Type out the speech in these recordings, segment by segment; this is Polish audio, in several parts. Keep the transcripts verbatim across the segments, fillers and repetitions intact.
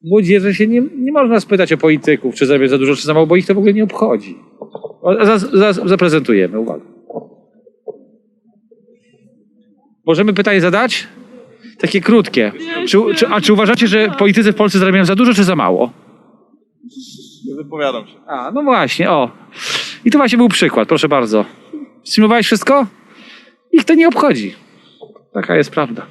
Młodzieży się nie, nie można spytać o polityków, czy zarabiają za dużo, czy za mało, bo ich to w ogóle nie obchodzi. O, za, za, zaprezentujemy, uwaga. Możemy pytanie zadać? Takie krótkie. Czy, czy, a czy uważacie, że politycy w Polsce zarabiają za dużo, czy za mało? Nie wypowiadam się. A, no właśnie, o. I to właśnie był przykład, proszę bardzo. Symulowałeś wszystko? Ich to nie obchodzi. Taka jest prawda.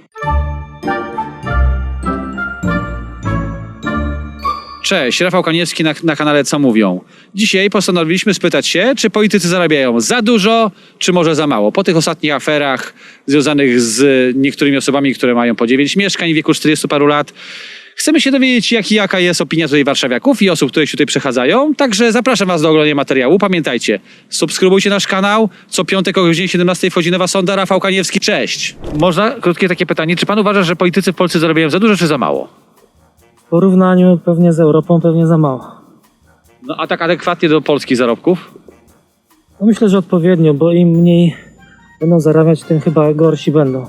Cześć, Rafał Kaniewski na, na kanale Co Mówią. Dzisiaj postanowiliśmy spytać się, czy politycy zarabiają za dużo, czy może za mało. Po tych ostatnich aferach związanych z niektórymi osobami, które mają po dziewięć mieszkań w wieku czterdziestu paru lat. Chcemy się dowiedzieć, jak, jaka jest opinia tutaj warszawiaków i osób, które się tutaj przechadzają. Także zapraszam was do oglądania materiału. Pamiętajcie, subskrybujcie nasz kanał. Co piątek o godzinie siedemnastej wchodzi nowa sonda. Rafał Kaniewski, cześć. Można krótkie takie pytanie. Czy pan uważa, że politycy w Polsce zarabiają za dużo, czy za mało? W porównaniu pewnie z Europą pewnie za mało. No a tak adekwatnie do polskich zarobków? No myślę, że odpowiednio, bo im mniej będą zarabiać, tym chyba gorsi będą.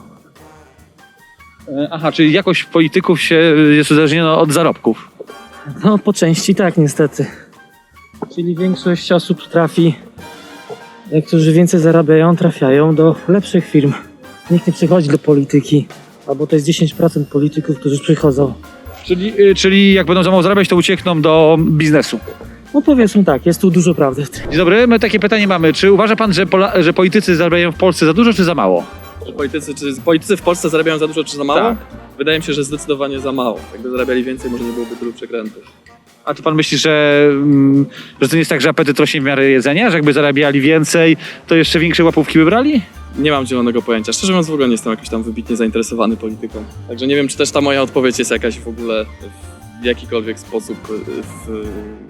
Aha, czyli jakość polityków się jest uzależniona od zarobków. No po części tak niestety. Czyli większość osób trafi, jak którzy więcej zarabiają, trafiają do lepszych firm. Nikt nie przychodzi do polityki, albo to jest dziesięć procent polityków, którzy przychodzą. Czyli, czyli jak będą za mało zarabiać, to uciekną do biznesu. No powiedzmy tak, jest tu dużo prawdy w tym. Dzień dobry, my takie pytanie mamy. Czy uważa pan, że, Pola, że politycy zarabiają w Polsce za dużo, czy za mało? Że politycy, czy politycy w Polsce zarabiają za dużo, czy za mało? Tak. Wydaje mi się, że zdecydowanie za mało. Jakby zarabiali więcej, może nie byłoby tylu przekrętów. A czy pan myśli, że, mm, że to nie jest tak, że apetyt rośnie w miarę jedzenia? Że jakby zarabiali więcej, to jeszcze większe łapówki by brali? Nie mam zielonego pojęcia. Szczerze mówiąc, w ogóle nie jestem jakoś tam wybitnie zainteresowany polityką. Także nie wiem, czy też ta moja odpowiedź jest jakaś w ogóle w jakikolwiek sposób w...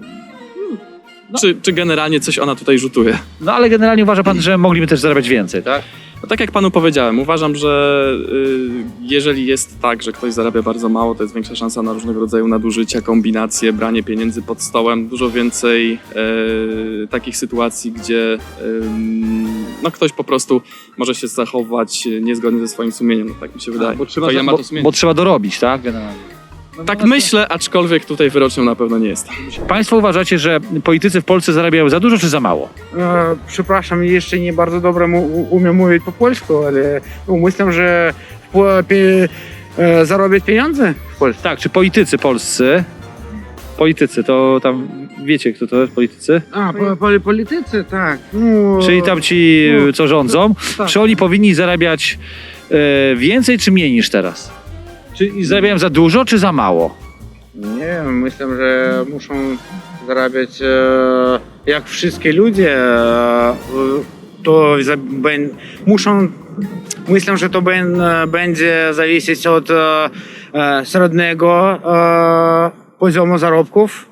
No. Czy, czy generalnie coś ona tutaj rzutuje. No ale generalnie uważa pan, że mogliby też zarabiać więcej, tak? No tak jak panu powiedziałem, uważam, że y, jeżeli jest tak, że ktoś zarabia bardzo mało, to jest większa szansa na różnego rodzaju nadużycia, kombinacje, branie pieniędzy pod stołem, dużo więcej y, takich sytuacji, gdzie y, no ktoś po prostu może się zachować niezgodnie ze swoim sumieniem, no tak mi się wydaje. A, bo, trzeba, To ja ma bo, to sumienie. bo trzeba dorobić, tak? Generalnie. No, Tak no, no, myślę, aczkolwiek tutaj wyrocznią na pewno nie jest. Państwo uważacie, że politycy w Polsce zarabiają za dużo, czy za mało? E, Przepraszam, jeszcze nie bardzo dobrze mu, umiem mówić po polsku, ale no, myślę, że po, pie, e, zarobić pieniądze w Polsce. Tak, czy politycy polscy, politycy, to tam wiecie, kto to jest, politycy? A, po, po, politycy, tak. No, Czyli tam ci, no, co rządzą, tak. czy oni powinni zarabiać e, więcej, czy mniej niż teraz? Czy zarabiają za dużo, czy za mało? Nie wiem, myślę, że muszą zarabiać e, jak wszystkie ludzie, e, to za, ben, muszą, myślę, że to ben, będzie zależeć od e, e, średniego e, poziomu zarobków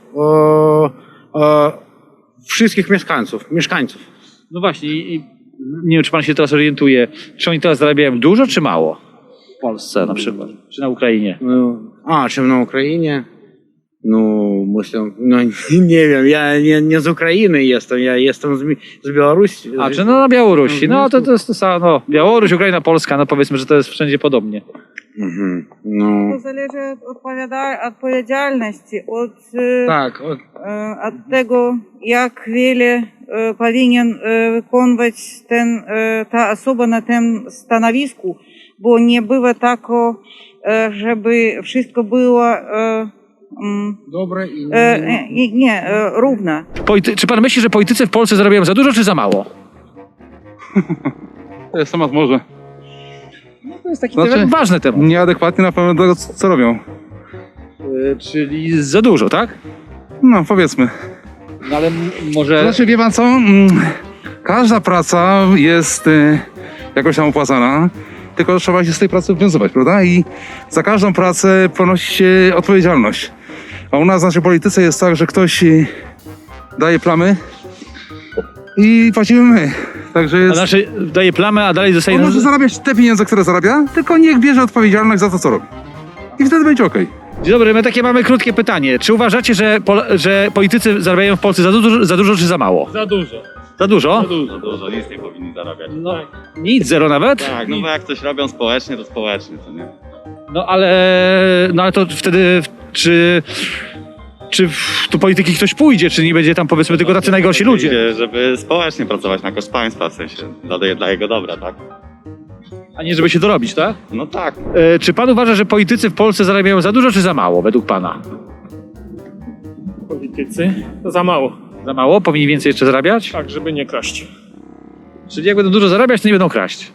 e, e, wszystkich mieszkańców, mieszkańców. No właśnie, i, i nie wiem, czy pan się teraz orientuje, czy oni teraz zarabiają dużo, czy mało? W Polsce na przykład, czy na Ukrainie? No, a, czy na Ukrainie? No, myślę, no nie wiem, ja nie, nie z Ukrainy jestem, ja jestem z, Mi- z Białorusi. A, czy no na Białorusi, no to, to jest to samo, no, Białoruś, Ukraina, Polska, no powiedzmy, że to jest wszędzie podobnie. Mhm, no, To zależy od odpowiada- odpowiedzialności, od, e, tak, od, e, od tego, jak wiele e, powinien e, wykonywać ten, e, ta osoba na tym stanowisku, bo nie bywa tak, e, żeby wszystko było e, mm, dobre i e, nie, nie e, równo. Polity- czy pan myśli, że politycy w Polsce zarabiają za dużo, czy za mało? To jest temat może No to jest taki Znaczy- temat, ważny temat. nieadekwatnie na pewno do tego, co co robią. E, czyli za dużo, tak? No, powiedzmy. No ale m- może... Znaczy, wie pan co? Mm, Każda praca jest y, jakoś tam opłacana, tylko trzeba się z tej pracy wywiązywać, prawda? I za każdą pracę ponosi się odpowiedzialność. A u nas w naszej polityce jest tak, że ktoś y, daje plamy i płacimy my. Także A jest... znaczy daje plamę, a dalej zostaje... On może zarabiać te pieniądze, które zarabia, tylko niech bierze odpowiedzialność za to, co robi. I wtedy będzie okej. Dzień dobry, my takie mamy krótkie pytanie. Czy uważacie, że, pol- że politycy zarabiają w Polsce za dużo, za dużo czy za mało? Za dużo. Za dużo? Za dużo, dużo, nic nie powinni zarabiać. No, nic, zero nawet? Tak, no bo jak coś robią społecznie, to społecznie, to nie. No ale, no ale to wtedy Czy, czy w do polityki ktoś pójdzie, czy nie będzie tam powiedzmy tylko tacy najgorsi ludzie? Idzie, żeby społecznie pracować na koszt państwa, w sensie dla, dla jego dobra, tak? A nie żeby się dorobić, tak? No tak. E, czy pan uważa, że politycy w Polsce zarabiają za dużo, czy za mało, według pana? Politycy? To za mało. Za mało? Powinni więcej jeszcze zarabiać? Tak, żeby nie kraść. Czyli jak będą dużo zarabiać, to nie będą kraść.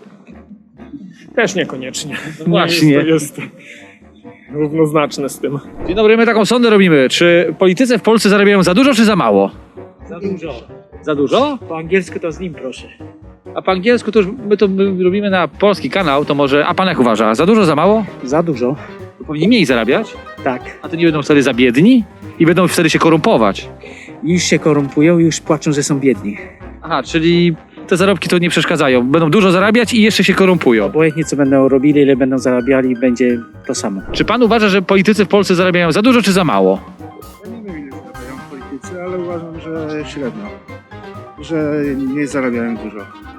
Też niekoniecznie. właśnie. Nie jest to jest równoznaczne z tym. Dzień dobry, my taką sondę robimy. Czy politycy w Polsce zarabiają za dużo, czy za mało? Za dużo. Za dużo? Po angielsku to z nim proszę. A po angielsku to już my to my robimy na polski kanał, to może... A pan jak uważa? Za dużo, za mało? Za dużo. To powinni mniej zarabiać? Tak. A to nie będą wtedy za biedni? I będą wtedy się korumpować? Już się korumpują, już płaczą, że są biedni. Aha, czyli te zarobki to nie przeszkadzają. Będą dużo zarabiać i jeszcze się korumpują. Obojętnie co będą robili, ile będą zarabiali, będzie to samo. Czy pan uważa, że politycy w Polsce zarabiają za dużo, czy za mało? Ja nie wiem, ile zarabiają politycy, ale uważam, że średnio. Że nie zarabiają dużo.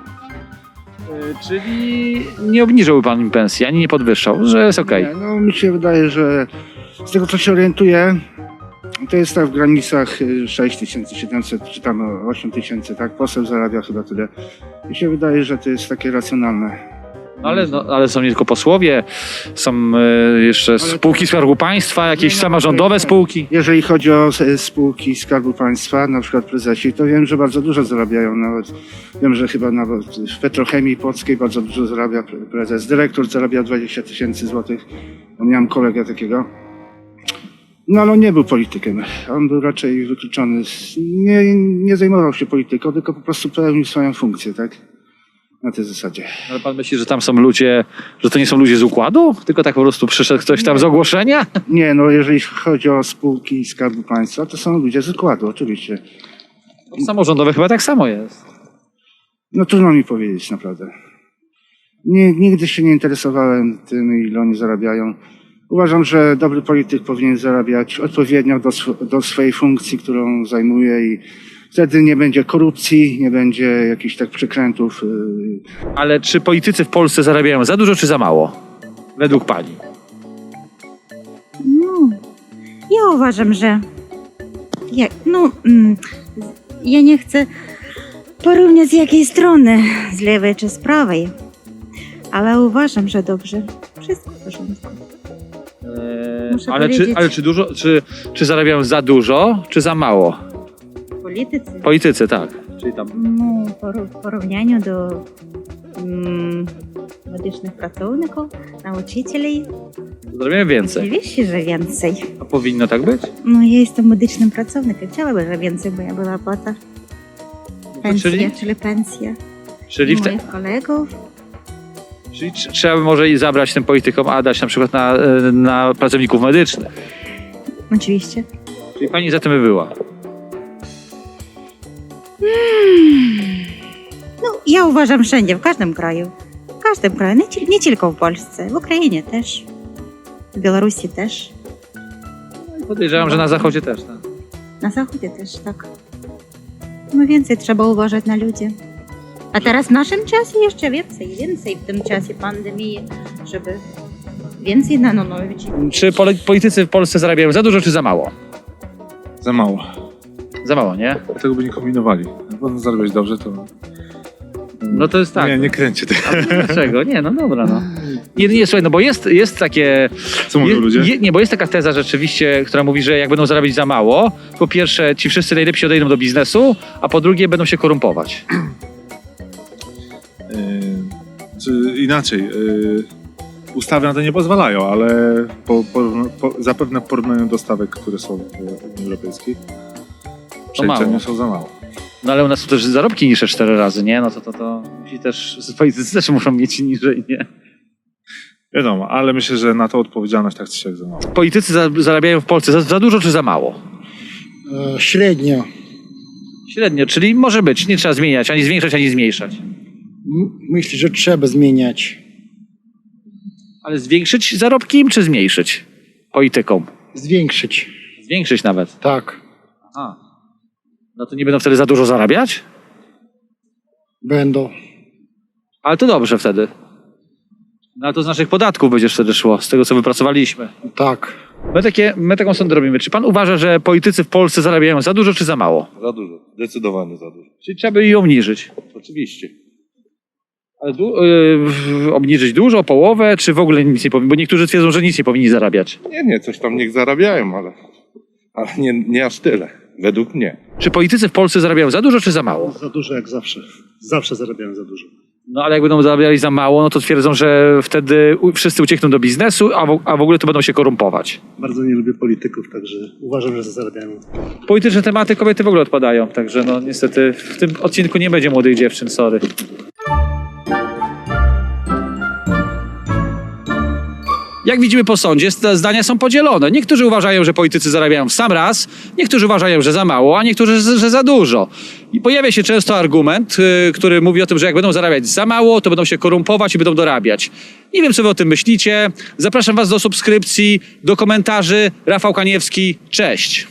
E, czyli nie obniżyłby pan im pensji, ani nie podwyższał, że jest okej. Nie, no mi się wydaje, że z tego co się orientuję, to jest tak w granicach y, sześć tysięcy siedemset czy tam osiem tysięcy, tak? Poseł zarabia chyba tyle. Mi się wydaje, że to jest takie racjonalne. No ale, no, ale są nie tylko posłowie, są e, jeszcze spółki Skarbu Państwa, jakieś Nie, no, samorządowe tak. spółki. Jeżeli chodzi o e, spółki Skarbu Państwa, na przykład prezesi, to wiem, że bardzo dużo zarabiają. Nawet wiem, że chyba nawet w Petrochemii Płockiej bardzo dużo zarabia pre- prezes. Dyrektor zarabia dwadzieścia tysięcy złotych. Miałem kolegę takiego. No ale on nie był politykiem. On był raczej wykluczony. z- Nie, nie zajmował się polityką, tylko po prostu pełnił swoją funkcję, tak? Na tej zasadzie. Ale pan myśli, że tam są ludzie, że to nie są ludzie z układu? Tylko tak po prostu przyszedł ktoś tam z ogłoszenia? Nie, no jeżeli chodzi o spółki Skarbu Państwa, to są ludzie z układu, oczywiście. Samorządowe chyba tak samo jest. No trudno mi powiedzieć naprawdę. Nie, nigdy się nie interesowałem tym, ile oni zarabiają. Uważam, że dobry polityk powinien zarabiać odpowiednio do, sw- do swojej funkcji, którą zajmuje i wtedy nie będzie korupcji, nie będzie jakichś tak przekrętów. Yy. Ale czy politycy w Polsce zarabiają za dużo, czy za mało? Według pani. No, ja uważam, że ja, no, mm, ja nie chcę porównać z jakiej strony, z lewej czy z prawej, ale uważam, że dobrze. Wszystko w porządku. Eee, Muszę ale, czy, powiedzieć- ale czy dużo, czy, czy zarabiają za dużo, czy za mało? Politycy, Politycy, tak. Czyli tam. no, пору- w porównaniu do mm, medycznych pracowników, nauczycieli, Zarabiają więcej. oczywiście, że więcej. A powinno tak być? No, ja jestem medycznym pracownikiem, chciałabym, żeby więcej moja była płata. Pensja, Czyli, czyli pensja. czyli, w te, Moich kolegów. czyli tr- trzeba by może i zabrać tym politykom, a dać na przykład na, e, na pracowników medycznych. Oczywiście. Czyli pani za tym by była. No, ja uważam wszędzie, w każdym kraju. W każdym kraju, nie, ci- nie tylko w Polsce, w Ukrainie też. W Białorusi też. Podejrzewam, że na zachodzie też. Tak? Na Zachodzie też, tak. No więcej trzeba uważać na ludzi. A teraz w naszym czasie jeszcze więcej, więcej w tym czasie pandemii, żeby więcej na ludzi. Czy poli- politycy w Polsce zarabiają za dużo, czy za mało? Za mało. Za mało, nie? Dlatego by nie kombinowali. Jak będą zarabiać dobrze, to... No to jest tak. Nie, nie kręcie tego. Dlaczego? Nie, no dobra, no. Nie, nie, słuchaj, no bo jest, jest takie... Co mówią je, ludzie? Je, nie, bo jest taka teza rzeczywiście, która mówi, że jak będą zarabiać za mało, po pierwsze ci wszyscy najlepsi odejdą do biznesu, a po drugie będą się korumpować. Yy, czy inaczej. Yy, ustawy na to nie pozwalają, ale po, po, po, zapewne w porównaniu do stawek, które są w Unii Europejskiej, przeliczenia mało. są za mało. No ale u nas są też zarobki niższe cztery razy, nie? No to to, to musi też, politycy też muszą mieć niżej, nie? Wiadomo, ale myślę, że na to odpowiedzialność tak czy siak za mało. Politycy za, zarabiają w Polsce za, za dużo czy za mało? E, Średnio. Średnio, czyli może być, nie trzeba zmieniać, ani zwiększać, ani zmniejszać. M- Myślę, że trzeba zmieniać. Ale zwiększyć zarobki im, czy zmniejszyć politykom? Zwiększyć. Zwiększyć nawet. Tak. Aha. No to nie będą wtedy za dużo zarabiać? Będą. Ale to dobrze wtedy. No ale to z naszych podatków będzie wtedy szło, z tego co wypracowaliśmy. Tak. My, takie, my taką sondę robimy. Czy pan uważa, że politycy w Polsce zarabiają za dużo czy za mało? Za dużo, zdecydowanie za dużo. Czyli trzeba by ją obniżyć. Oczywiście. Ale du- yy, obniżyć dużo, o połowę, czy w ogóle nic nie powinni? Bo niektórzy twierdzą, że nic nie powinni zarabiać. Nie, nie, coś tam niech zarabiają, ale, ale nie, nie aż tyle. Według mnie. Czy politycy w Polsce zarabiają za dużo czy za mało? Za dużo jak zawsze. Zawsze zarabiają za dużo. No ale jak będą zarabiali za mało, no to twierdzą, że wtedy u- wszyscy uciekną do biznesu, a w, a w ogóle to będą się korumpować. Bardzo nie lubię polityków, także uważam, że zarabiają. Polityczne tematy kobiety w ogóle odpadają, także no niestety w tym odcinku nie będzie młodych dziewczyn, sorry. Jak widzimy po sądzie, st- zdania są podzielone. Niektórzy uważają, że politycy zarabiają w sam raz, niektórzy uważają, że za mało, a niektórzy, że za dużo. I pojawia się często argument, yy, który mówi o tym, że jak będą zarabiać za mało, to będą się korumpować i będą dorabiać. Nie wiem, co wy o tym myślicie. Zapraszam was do subskrypcji, do komentarzy. Rafał Kaniewski, cześć.